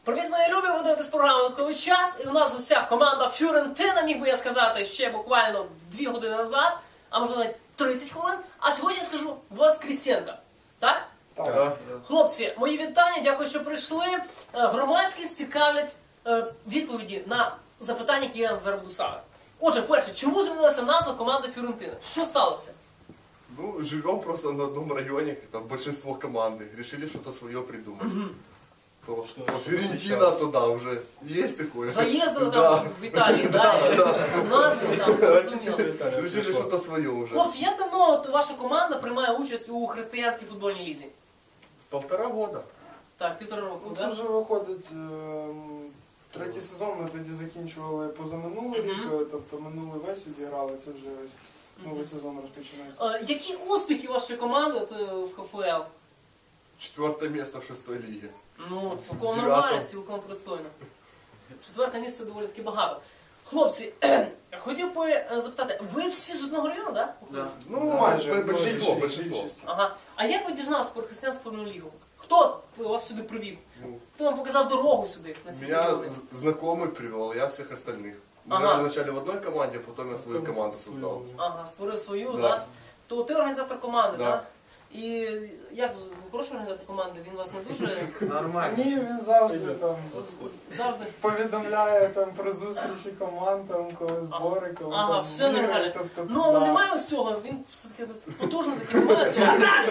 Привіт, мої любі! Ви дивитесь програму «Додатковий час». І у нас в гостях команда Фіорентина, міг би я сказати, ще буквально 2 години назад, а може навіть 30 хвилин. А сьогодні я скажу Воскресенка. Так? Так. Хлопці, мої вітання, дякую, що прийшли. Громадськість цікавлять відповіді на запитання, які я вам зараз буду ставити. Отже, перше, чому змінилася назва команди Фіорентина? Що сталося? Ну, живем просто на одном районе, там большинство команды. Решили что-то свое придумать. Фиорентина туда уже есть такое. Заїздили там в Італії, назву там, зрозуміло. Решили что-то свое уже. Хлопці, як давно от ваша команда приймає участь у християнській футбольній лізі? 1,5 года. Так, 1,5 року, Це так? вже виходить третій сезон, ми тоді закінчували позаминулий рік, тобто минулий весь відіграли, це вже ось новий сезон розпочинається. Які успіхи вашої команди от, в ХФЛ? 4 место в 6 лиге. Ну, цілком Дев'ятого. нормально, цілком пристойно. 4 місце доволі таки багато. Хлопці, хотів би запитати, ви всі з одного району, так? Ну, Майже, большинство. більшість. Ага. А як ви дізналися про християнську футбольну лігу? Хто вас сюди привів? Ну, Хто вам показав дорогу сюди, на ці меня стадіони? знакомый привел, я всех остальных. Мы Ага. играли вначале в одной команде, а потом я свою команду создал. Ага, створив свою, Да. так? То ти організатор команди, Да. так? І як ви хороший організатор команди? Він вас не дуже Ні, він завжди там завжди. повідомляє там про зустрічі команд, там, коли збори, коли Ага, там все ігри, нормально. тобто, Ну, але да. немає ось цього, він все-таки потужний такий, немає цього.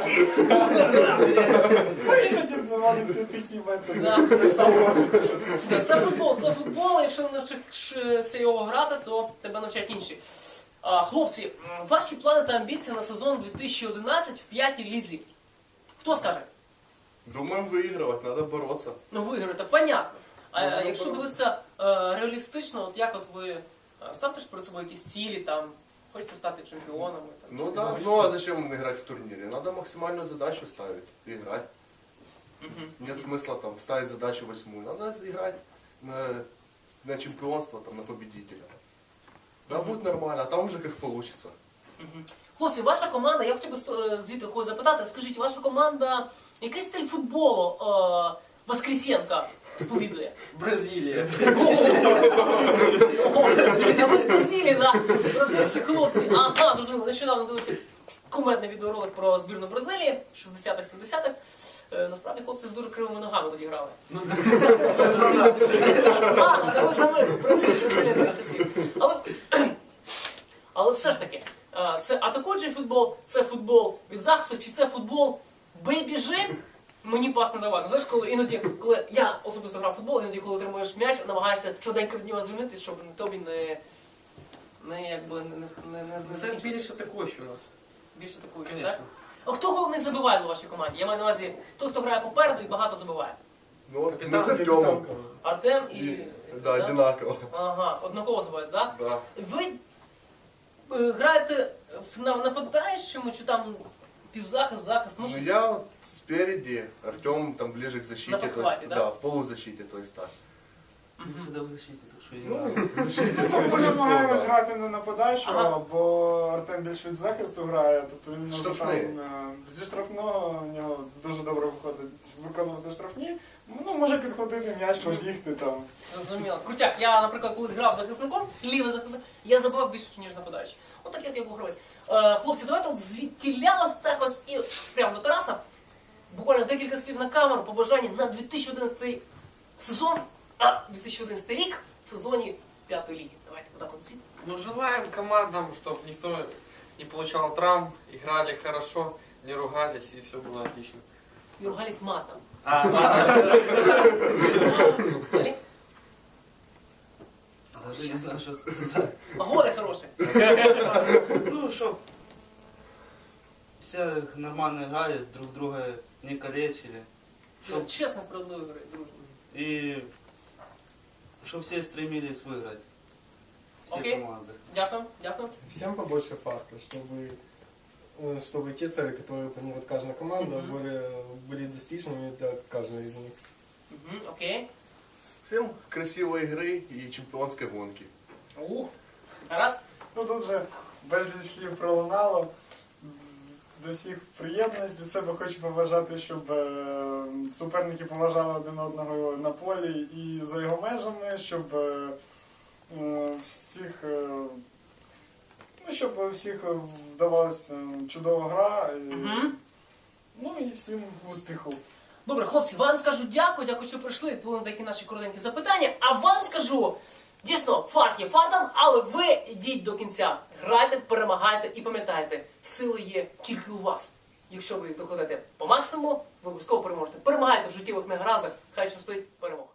Ну, іноді доводиться такі методи. Да. Це футбол, якщо не навчишся його грати, то тебе навчать інші. Хлопці, ваші плани та амбіції на сезон 2011 в 5-й лізі. Хто скаже? Думаем выигрывать, надо бороться. Ну, виграти, понятно. А Можна якщо боротися. дивитися реалістично, от як от ви ставте ж перед собою якісь цілі, там, хочете стати чемпіонами? Там, Ну чи да, щось? ну а зачем играть в турнире? Надо максимальную задачу ставить и играть. Мгм. Нет смысла там ставить задачу 8. Надо играть на чемпионство, там, на победителя. Да, будет нормально, а там уже как получится. Мгм. Хлопці, ваша команда, я хотів би звідти когось запитати, скажіть, ваша команда, який стиль футболу Воскресенка сповідує? Бразилия. Ого, це ви з Бразилії, да? Бразильські хлопці. Ага, зрозуміло, нещодавно дивився кумедний відеоролик про збірну Бразилії, 60-х, 70-х. Насправді хлопці з дуже кривими ногами тоді грали. Ви самі Бразилія тих часів. Але все ж таки, це атакуючий футбол, це футбол від захисту, чи це футбол бий біжи, мені пас не давай. Ну, знаєш, іноді, коли я особисто грав в футбол, іноді, коли отримуєш м'яч, намагаєшся швиденько від нього звільнитися, щоб тобі не Це більше атакуючий у нас. більше такої, Конечно. так? А хто головний забиває у вашій команді? Я маю на увазі той, хто грає попереду і багато забиває. Ну вот Капитан, мы с Артемом. Артем і... Да, да? одинаково. Ага, однаково забивають, так? Да. Ви граєте в нападаючому чи там півзахист? Ну я вот спереди, Артем там ближе к защите, На то есть, подхвате, да? да, в полузащите, то есть так. Всегда в защите, так что Ну, в защите Ми там большинство, намагаємось да. грати не нападаючого, Ага. бо Артем більш від захисту грає, тобто він може Штрафний. там зі штрафного в нього дуже добре виходить виконувати штрафні, ну може підходити м'яч, побігти там. Зрозуміло. Крутяк, я, наприклад, колись грав захисником, лівий захисник, я забивав більше, ніж нападаючий. От такий от я був гравець. Хлопці, давайте от звідтіля ось так ось і прямо до Тараса. Буквально декілька слів на камеру, побажання на 2011 сезон, 2011 рік в сезоні 5-ї ліги. Давайте отак от звідти. Ну, желаем командам, чтобы никто не получал травм, играли хорошо, не ругались и все было отлично. І ругались матом. Далі? Даже не знаю, что сказать. А голи хороші. Ну, чтоб все нормально играли, друг друга не калечили. Чесно, справедливо, дружно. И чтобы все стремились выиграть. Все Окей. команды. Дякую, дякую. Всем побольше фактов, чтобы те цели, которые планирует каждая команда, были достижены для каждой из них. Мгм, окей. Всем красивой игры и чемпионской гонки. Раз. Ну тут же безліч слів пролунало. до всіх приєднуюсь. Від себе хочу побажати, щоб суперники поважали один одного на полі і за його межами, щоб всіх, щоб всіх вдавалася чудова гра. Ну і всім успіху. Добре, хлопці, вам скажу дякую, що прийшли, відповіли на такі наші коротенькі запитання. А вам скажу, дійсно, фарт є фартом, але ви йдіть до кінця. Грайте, перемагайте і пам'ятайте, сили є тільки у вас. Якщо ви їх докладете по максимуму, ви обов'язково переможете. Перемагайте в життєвих негараздах, хай щастить, перемог.